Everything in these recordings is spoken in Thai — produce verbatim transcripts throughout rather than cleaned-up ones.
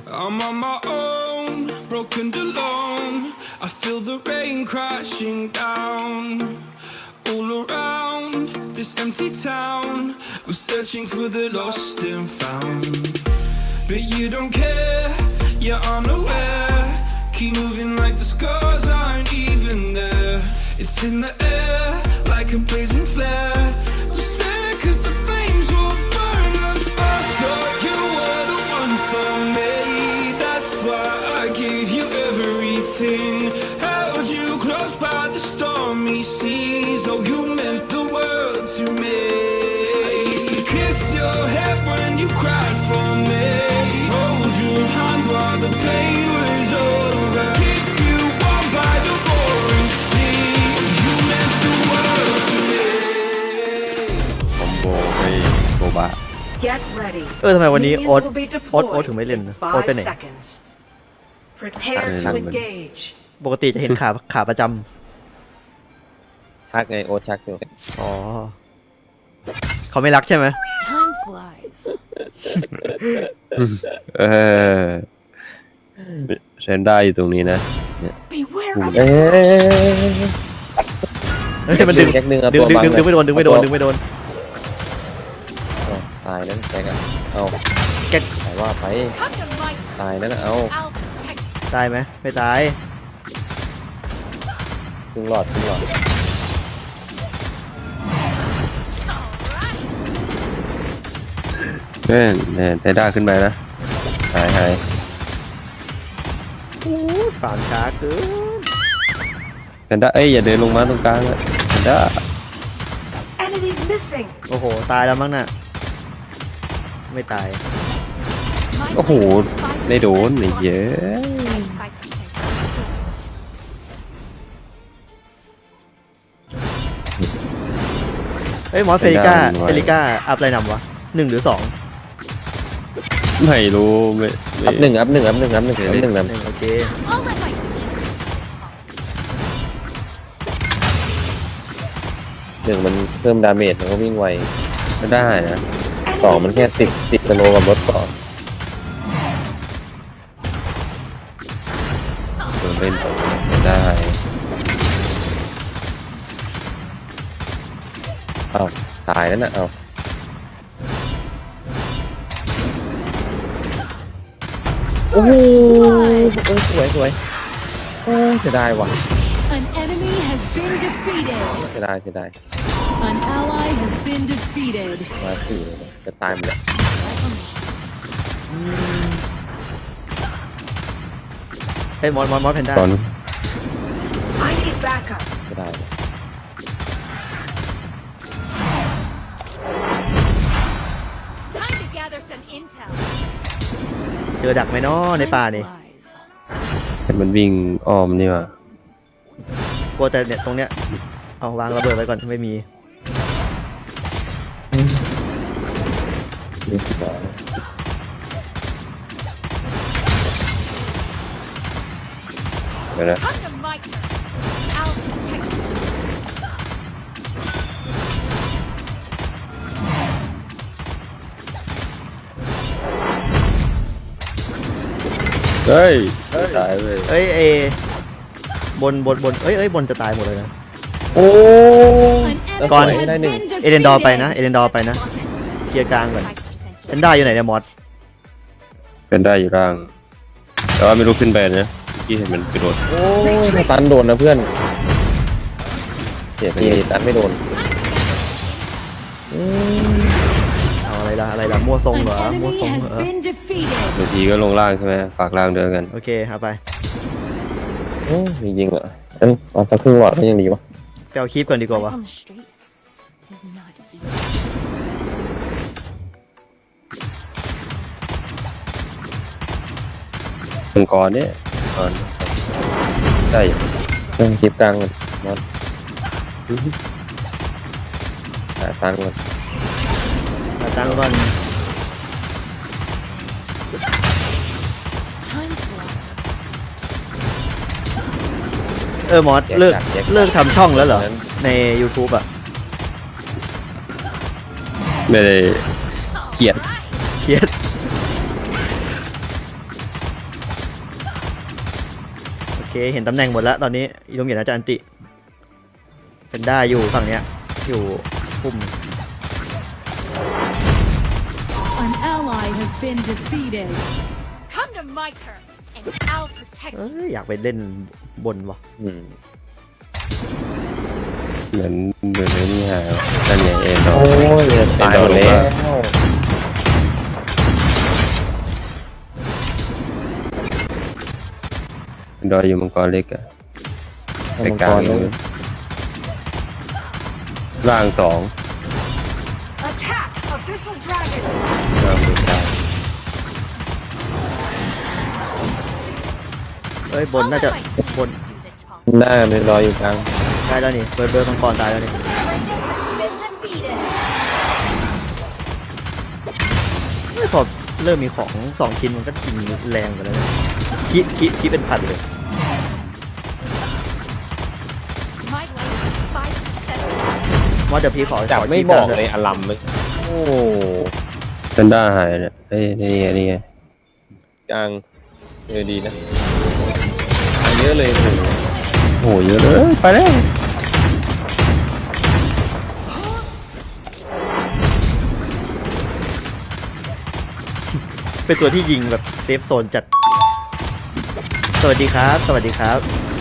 I'm on my own, broken and alone. I feel the rain crashing down all around this empty town. I'm searching for the lost and found, but you don't care, you're unaware. Keep moving like the scars aren't even there. It's in the air like a blazing flare. Just stare cause the flames will burn us. I thought you were the one for me. That's why I gave you everything. Held you close by the stormy seas. Oh, you meant the world to me. I used to kiss your head when you cried for me. Hold your hand while the pain was over. Keep you warm by the roaring sea. You meant the world to me. คอมโบไปโบบะ Get ready. เออทำไมวันนี้ Minions โอ๊ต will be โอ๊ตโอ๊ต deployed ถึงไม่เล่น in นะโอ๊ต five ไปไหน seconds. Prepare to Ờ, engage. ปกติจะเห็นขาขาประจชักไงโอตชักอยู่ำอ๋อเขาไม่รักใช่ไหม Time flies. เออเซนได้อยู่ตรงนี้นะ Beware เอ้ of ยเฮ้ยมันดึงแจ็คหนึ่งอะดึงตัวดึงบังดึงดึงไม่โดนดึงไม่โดนเอาตัวดึงไม่โดนเอาตายนั่นแจ็คอะเอาแก๊กแต่ว่าไป Come to my ตายนั่นอะเอา I'll protect ตายไหมไม่ตายครึ่งหลอดครึ่งหลอดเน่เนี่ยไดด้าขึ้นมานะหายหายฝานช้าเกินแพนด้าเอ้ยอย่าเดินลงมาตรงกลางอะแพนด้า enemies missing. โอ้โหตายแล้วมั้งน่ะไม่ตาย my โอ้โหได้โดนไอ้เยอะ five percent. เอ้ยมอสเฟริก้าเฟริก้าอัพอะไรนำวะหนึ่งหรือสองไม่รู้ไม่ไม่อัพหนึ่งอัพหนึ่งอัพหนึ่งอัพหนึ่งอัพหนึ่งหนะนึ่งโอเค I'll let my หนึ่งมันเพิ่มดาเมจมันก็วิ่งไวก็ได้นะสอง Enemies มันแค่ติด missing. ติดสโลว์กับรถก่อนโดนเล่นไม่ได้เอ้าตายแล้วนะเอ้าโอ้โหเออสวยสวยโอ้เสียดายว่ะ An enemy has been defeated. เสียดายเสียดาย An ally has been defeated. มาสี่เลยจะตายหมดแล้วเอ้ยมอสมอสมอสแพนด้าตอน I need backup. เสียดายว่ะ Time to gather some intel. เจอดักไหมเนาะในป่านี่ Time flies. แต่มันวิ่งอ้อมนี่ว่ะกลัวแต่เนี่ยตรงเนี้ยเอาวางระเบิดไว้ก่อนไม่มีนี่สิบล้อเดี๋ยวนะ Come to my turn. I'll protect you. เฮ้ยตายเลยเอ้ยเอบนบนบนเอ้ยเอ้ยบนจะตายหมดเลยนะโอ้ An enemy Con. has Đây này. been defeated. เอเดนดอร์ไปนะเอเดนดอร์ไปนะเคลียร์กลางก่อน five percent. แพนด้าอยู่ไหนเนี่ยมอสเป็นได้อยู่ล่าง แต่ว่าไม่รู้ขึ้นไปนะเมื่อกี้เห็นมันกระโดดโอ้ยตันโดนนะเพื่อนเสียทีตันไม่โดนเอาอะไรล่ะอะไรล่ะมั่วทรง An เหรอมั่ว enemy ทรง has เหรอ been defeated. บางทีก็ลงล่างใช่ไหมฝากล่างเดินกันโอเคเอาไปโอ้จริงๆเหรอเอ้ยเอาสักครึ่งหลอดก็ยังดีวะไปเอาคลิปก่อนดีกว่าวะ Come straight is not easy. มังกรเนี่ยก่อนได้อยู่ต้องเก็บกลางก่อนมอสหาตังค์ก่อนมาตั้งก่อน Time flies. เออมอสเลิกเลิกทำช่องแล้วเหรอใน YouTube อ่ะไม่ได้เกลียดเครียดเคเห็นตำแหน่งหมดแล้วตอนนี้อีลุงเหยียดน่าจะอันติเป็นได้อยู่ฝั่งเนี้ยอยู่ปุ่ม An ally has been defeated. Come to my turn, and I'll protect เอ้ you. ยอยากไปเล่นบนวะอืมเหมือนเหมือนไอ้นี่ฮะนั่นไงเอ็นดอโอ้ยเนี่ยตายหมดแล้วเอ็นดออยู่มังกรเล็กอะไปมังกกลางรอเลยู่ยล่างสอง Attack! Abyssal dragon! ล่างดูกลางเอ้ยบนน่าจะ I'll let my บน friends do the talking. หน้ามันรออยู่กลางได้แล้วนี่เบิร์ดเบิร์ดมังกรตายแล้วนี่ Been defeated! เฮ้ยพอเริ่มมีของสองชิ้นมันก็กินแรงกันแล้วเนี่ยคิดคิดคิดเป็นพันเลย My life is five percent. ว่าเดี๋ยวพี่ขอจับขไม่ชี้บอกสั้นเลยอลัมเลยโอ้เซนด้าหายเนี่ยเอ้ยนี่ไงนี่ไงกลางเออดีนะอันเยอะเลยโอ้โหโอ้โหเยอะเลยไปแล้วเป็นตัวที่ยิงแบบเซฟโซนจัด สวัสดีครับ สวัสดีครับ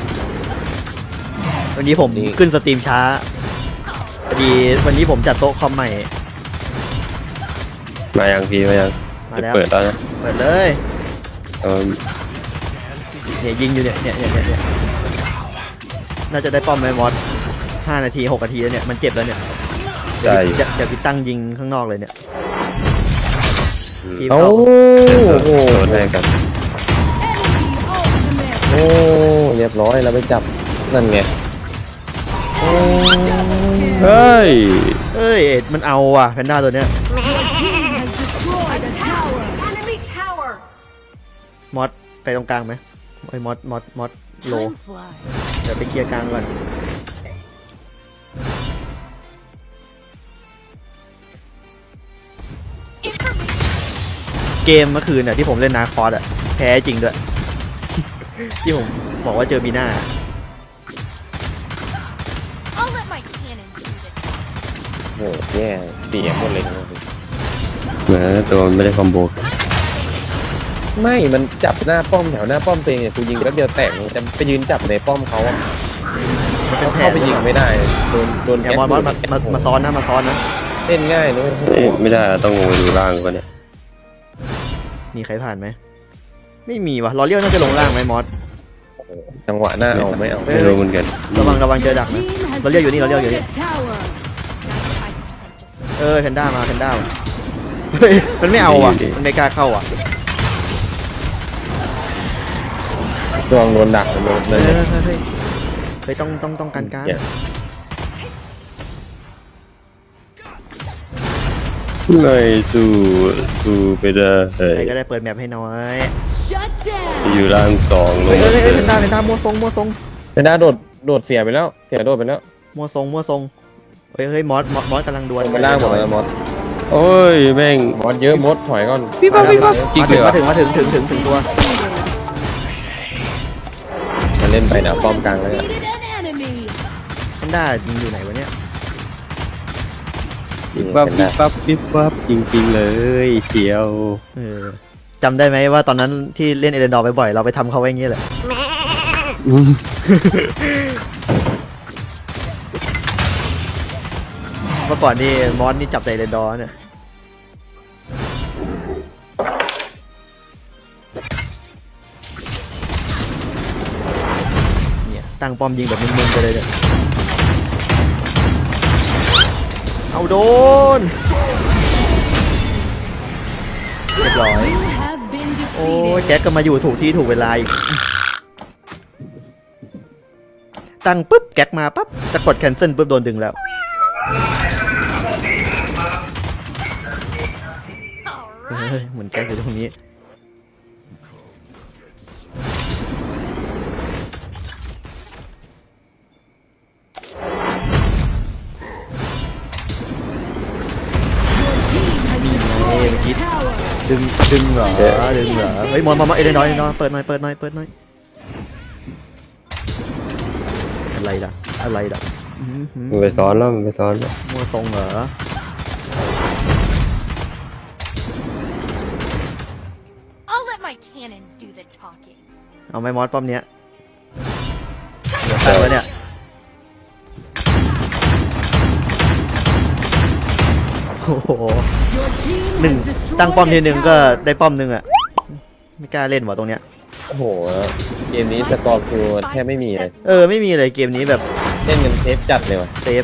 วันนี้ผมขึ้นสตรีมช้าพอดีวันนี้ผมจัดโต๊ะคอมใหม่มายังพี่มายังมาจะแล้วเปิดแล้วนะเปิดเลยเออเนี่ยยิงอยู่เนี่ยเนี่ยเนี่ยเนี่ยเนี่ยน่าจะได้ป้อมไหมมอสห้านาทีหกนาทีแล้วเนี่ยมันเจ็บแล้วเนี่ยได้อยู่เดี๋ยวเดี๋ยวพี่ตั้งยิงข้างนอกเลยเนี่ยอืมพี่เอ้าเข้าโอ้โหโดนให้กัน Enemy ultimate. โอ้เรียบร้อยเราไปจับนั่นไงโอ้เฮ้ยเอ้ยมันเอาว่ะแพนด้าตัวเนี้ย Has destroyed a tower. Enemy tower! มอสไปตรงกลางไหมไอ้ยมอสมอสมอสโล Time flies. เดี๋ยวไปเคลียร์กลางก่อน Information. เกมเมื่อคืนน่ะที่ผมเล่นนาคอสอ่ะแพ้จริงด้วย ที่ผมบอกว่าเจอบีน่า I'll let my cannons do the talking. โหแย่เสียหมดเลยนะเหมือนตัวมันไม่ได้คอมโบไม่มันจับหน้าป้อมแถวหน้าป้อมตัวเองเนี่ยกูยิงแป๊บเดียวแตกเลยแต่ไปยืนจับในป้อมเขาอะมันเป็นแผเข้าน ไปยิงไม่ได้โดนโดนอย่ามอสมอสมามามาซ้อนนะมาซ้อนนะเล่นง่ายเลยเอ้ยไม่ได้ต้องลงไปดูล่างก่อนเนี่ยมีใครผ่านไหมไม่มีวะรอเลี้ยวน่าจะลงล่างไหมมอสจังหวะหน้าเอาไม่เอาไม่รู้เหมือนกันระวังระวังเจอดักนะ Team has เราเรียกอยู่นี่เราเรียกอยู่นี่ destroyed a tower. ninety-five percent just เออแพนด้ามาแพนด้ามาเฮ้ยมันไม่เอาอ่ะมันไม่กล้าเข้าอ่ะดวงโดนดักโดนเฮ้เลย ยเฮ้ยเฮ้ยเฮ้ยต้องต้องต้องการการเนี่ยเลยสู้สู้ไปเลยใครก็ได้เปิดแมปให้น้อย shut down. อยู่ล่างสองลเฮ้งยมาเฮ้ยเลเฮ้ยยแพนด้าแพนด้ามัวทรงมัวทรงเซนด้าโดดโดดเสียไปแล้ว เสียโดดไปแล้วมัวทรงมัวทรงเฮ้ยเฮ้ยมอสมอสมอสกำลังดวลไปล่างหมดแล้วมอสโอ้ยแม่งมอสเยอะมดถอยก่อนพี่ปั๊บพี่ปั๊บอีกมาเลถึยงเหรมาอถึงมาถึงถึงถึงถึงตัวมาเล่นไปนะป้อมกลางเลยอะ Defeated an enemy. แพนด้ายิงอยู่ไหนวะเนี่ยพี่ปั๊บพี่ปั๊บพี่ปั๊บจริงๆเลยเชียวเออจำได้ไหมว่าตอนนั้นที่เล่นเอเดนดอร์บ่อยๆเราไปทำเขาไว้อย่างเงี้ยแหละเมื่อก่อนนี่มอสนี่จับแต่เอเดนดอร์เนี่ยเนี่ยตั้งป้อมยิงแบบมึนๆไปเลยเนี่ยเอาโดนเรียบร้อย You have been โอ้ย defeated. แจ็คก็มาอยู่ถูกที่ถูกเวลาอีก ตั้งปุ๊บแก๊กมาปั๊บจะกดแคนเซิลปุ๊บโดนดึงแล้ว All เฮ้ย right. เหมือนแก๊กอยู่ตรงนี้ Your team has destroyed a tower. ดึงดึงเหรอดึงเหรอเฮ้ยมอนมอนมอนเอเดนน้อยเอเดนน้อยเปิดหน่อยเปิดหน่อยเปิดหน่อยอะไรล่ะอะไรล่ะอื้อหือมันไปซ้อนแล้วมันไปซ้อนแล้วมัวทรงเหรอ I'll let my cannons do the talking. เอาไหม่มอสป้อมเนี้ยเดี๋ยวตั้งไว้เนี่ยโอ้โห Your team หนึ่ง has destroyed ตั้งป้อมที a หนึ่งก็ tower. ได้ป้อมหนึ่งอะไม่กล้าเล่นว่ะตรงเนี้ยโอ้โหเกมนี้สกอร์คิวแทบไม่มีเลยเออไม่มีเลยเกมนี้แบบเล่นกันเซฟจัดเลยว่ะเซฟ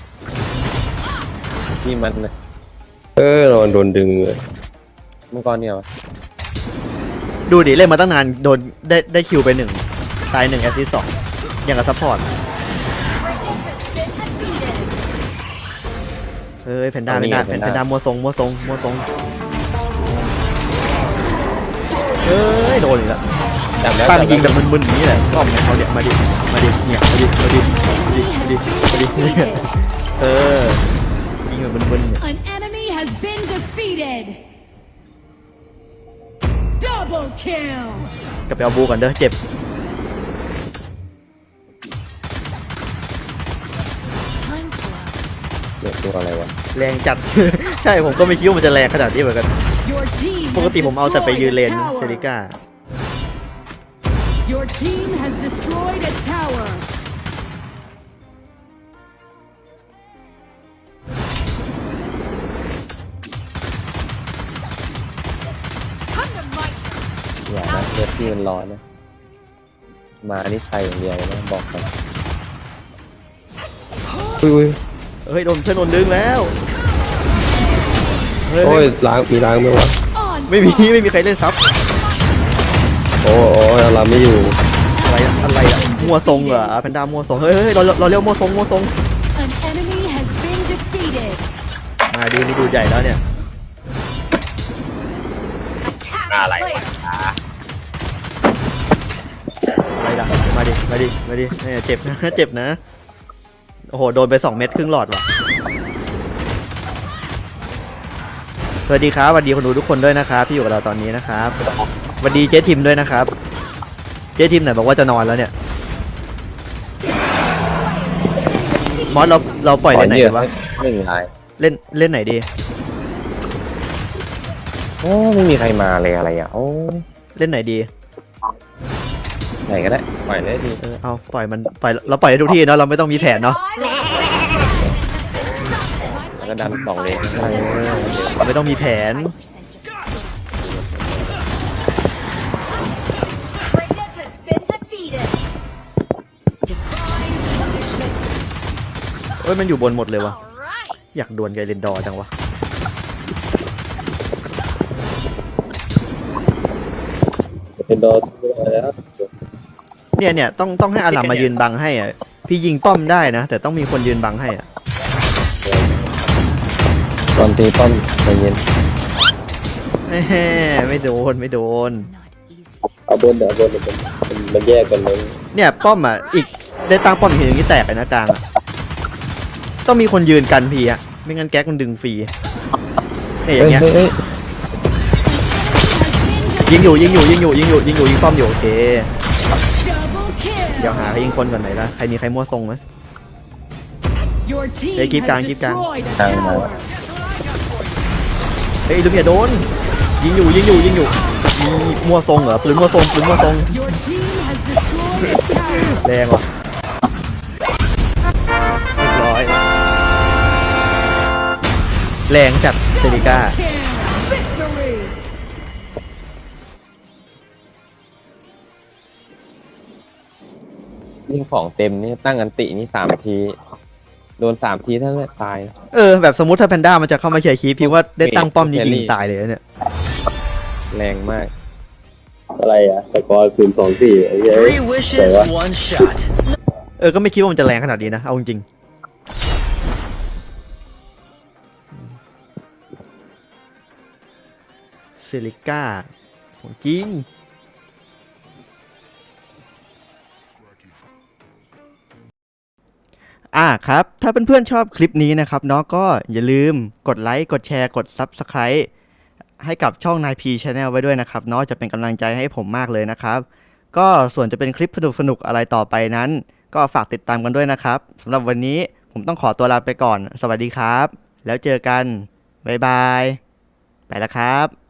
ที่มันนะเออเราโดนดึงเลยมังกรเนี่ยวะดูดิเล่นมาตั้งนานโดนได้ได้คิวไปหนึ่งตายหนึ่งแอสซิสต์สองอย่างกับซัพพอร์ต This has been defeated. เอ้ยแพนด้าแพนด้าแพนด้ามัวทรงมัวทรงมัวทรงเอ้ยโดนอีกแล้วจับแล้วตั้งจับยิงแบแล้วบมึนๆอย่างนี้แหละป้อมเนี่ยเขาเนี่ยมาดิมาดิเนี่ยมาดิมาดิมาดิมาดิมาดิเนี่ยเออยิงแบบมึนๆเนี่ย An enemy has been defeated. Double kill. กลับไปเอาบูก่อนเด้อเจ็บ Time flies. เดี๋ยวตัวอะไรวะแรงจัด ใช่ผมก็ไม่คิดว่ามันจะแรงขนาดนี้เหมือนกัน Your team ปก has ติผมเอาแต่ไปยืนเลน destroyed a เซ tower. ริก้า Your team has destroyed a tower. Come to my turn. อย่านะเลือดที่มันร้อนนะมานี่ใส่อย่างเดียวเลยนะบอกก่อนอุ้ยอุ้ยเฮ้ยโดนเพื่อนโดนดึงแล้วเฮ้โอ้ยยล้างมีล้างไหมวะ On ไม่มีไม่มีใครเล่นซับโอ้โอ้เราไม่อยู่อะไรอะอะไรอะมัวทรงเหรอแพนด้ามัวทรงเฮ้ยเฮ้ยเราเราเรียกมัวทรงมัวทรง An enemy has been defeated. มาดีนี่ดูใหญ่แล้วเนี่ย Attack Ah, player. อะไรล่ะมาดิมาดิมาดิเนี่ยเจ็บนะ เจ็บนะโอ้โหโดนไปสองเม็ดครึ่งหลอดว่ะสวัสดีครับสวัสดีคนดูทุกคนด้วยนะครับที่อยู่กับเราตอนนี้นะครับสวัสดีเจ๊ทิมด้วยนะครับเจ๊ทิมไหนบอกว่าจะนอนแล้วเนี่ยมอสเราเราปล่อยเล่นไหนขกันวะหนึ่งลายเล่นเล่นไหนดีโอ้ไม่มีใครมาเลยอะไรอ่ะโอ้เล่นไหนดีไหนก็ได้ปล่อยเลยดีเออเอาปล่อยมันปล่อยเราปล่อยได้ทุกที่เนาะเราไม่ต้องมีแผนเนาะแล้วก็ดันสองเลยเออเราไม่ต้องมีแผน Greatness has been defeated. Divine punishment. เอ้ยมันอยู่บนหมดเลยวะ Alright. อยากดวลกับเรนดอร์จังวะเป็นดอทแล้วเนี่ยเนี่ยต้องต้องให้อารัมมายืนบังให้อ่ะพี่ยิงป้อมได้นะ แต่ต้องมีคนยืนบังให้อ่ะตอนตีป้อมใจเย็นแหมไม่โดนไม่โดน Not easy. เอาบนเดี๋ยวบนมันมันแยกกันเลยเนี่ยป้อมอ่ะอีกได้ตั้งป้อมอีกทีนึงที่แตกเลยนะกลางอ่ะต้องมีคนยืนกันพีอ่ะไม่งั้นแก๊กมันดึงฟรีเนี่ยอย่างเงี้ยเฮ้ยยิงอยู่ยิงอยู่ยิงอยู่ยิงอยู่ยิงอยู่ยิงป้อมอยู่โอเค Double kill. เดี๋ยวหาใครยิงคนก่อนไหนละใครมีใครมั่วทรงไหม Your team Hey, keep has going, keep going. destroyed a Down, tower. เฮ้ยลูกเมียโดนยิงอยู่ยิงอยู่ยิงอยู่ยิงมั่วทรงเหรอปืนมั่วทรงปืนมั่วทรง Your team has destroyed a tower. แรงว่ะเรียบร้อยแรงจัดเซริก้า Kill. Victory. ยิ่งของเต็มนี่ตั้งอันตินี่สามที โดนสามทีเท่านั้นตายเออแบบสมมติถ้าแพนด้ามันจะเข้ามาเชียร์คีพี่ว่าได้ตั้งป้อมนี้ยิงตายเลยนะเนี่ยแรงมากอะไรอ่ะสกอร์คืนสองสี่ไอ้เหี้ย Three wishes, one shot. เออก็ไม่คิดว่ามันจะแรงขนาดนี้นะเอาจริงๆเซริก้าของจริงอ่าครับถ้าเพื่อนๆชอบคลิปนี้นะครับเนาะก็อย่าลืมกดไลค์กดแชร์กด ซับสไครบ์ ให้กับช่อง นายพี Channel ไว้ด้วยนะครับเนาะจะเป็นกำลังใจให้ผมมากเลยนะครับก็ส่วนจะเป็นคลิปสนุกๆอะไรต่อไปนั้นก็ฝากติดตามกันด้วยนะครับสำหรับวันนี้ผมต้องขอตัวลาไปก่อนสวัสดีครับแล้วเจอกันบ๊ายบายไปแล้วครับ